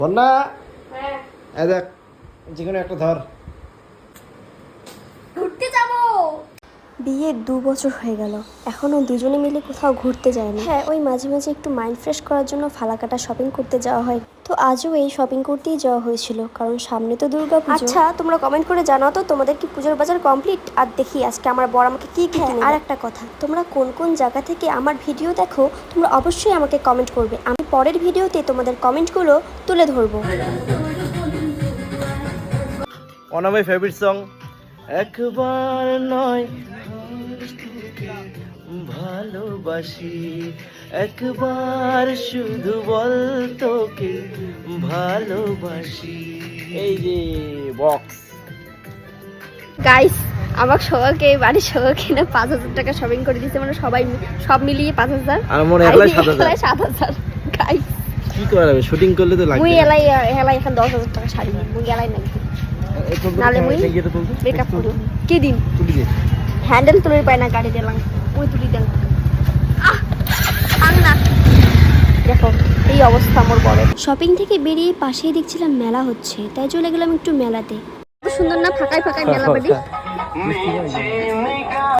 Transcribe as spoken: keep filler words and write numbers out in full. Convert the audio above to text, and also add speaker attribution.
Speaker 1: বন্যা এই দেখ যেকোনো একটা ধর।
Speaker 2: ঘুরতে যাব। বিয়ের দু বছর হয়ে গেল, এখনো দুজনে মিলে কোথাও ঘুরতে যায় না। হ্যাঁ, ওই মাঝে মাঝে একটু মাইন্ড ফ্রেশ করার জন্য ফালাকাটা শপিং করতে যাওয়া হয়। তো আজও এই শপিং করতেই যাওয়া হয়েছিল, কারণ সামনে তো দুর্গা পুজো। আচ্ছা, তোমরা কমেন্ট করে জানাও তো তোমাদের কি পুজোর বাজার কমপ্লিট। আর দেখি আজকে আমার বর আমাকে কি কি কিনে। আর একটা কথা, তোমরা কোন কোন জায়গা থেকে আমার ভিডিও দেখো তোমরা অবশ্যই আমাকে কমেন্ট করবে। আমি পরের ভিডিওতে তোমাদের কমেন্টগুলো তুলে ধরবো।
Speaker 1: One of my favourite song. একবার নয় ভালোবাসি, একবার শুধু বল তোকে ভালোবাসি। এই যে বক্স
Speaker 2: গাইস, আমার সবাইকে বাড়ির সবাইকে না পাঁচ হাজার টাকা শপিং করে দিয়েছে, মানে সবাই সব মিলিয়ে পাঁচ হাজার
Speaker 1: আর মনে একলাই সাত হাজার।
Speaker 2: সাত হাজার গাইস
Speaker 1: কি করা যাবে, শুটিং করলে তো লাগবে।
Speaker 2: মুই এলাই এলাই এখন দশ হাজার টাকা শাড়ি মুই এলাই নাই নালে মুই ব্রেকআপ করব। কি দিন
Speaker 1: তুলি দে
Speaker 2: হ্যান্ডেল তুলে পায় না গাড়ি দিলাম, মুই তুলি দেন। আহ আন না, দেখো এই অবস্থা আমার বড়। শপিং থেকে বেরিয়ে পাশেই দেখছিলাম মেলা হচ্ছে, তাই চলে গেলাম একটু মেলাতে। সুন্দর না, ফাঁকায় ফাঁকায় মেলা বাড়ি।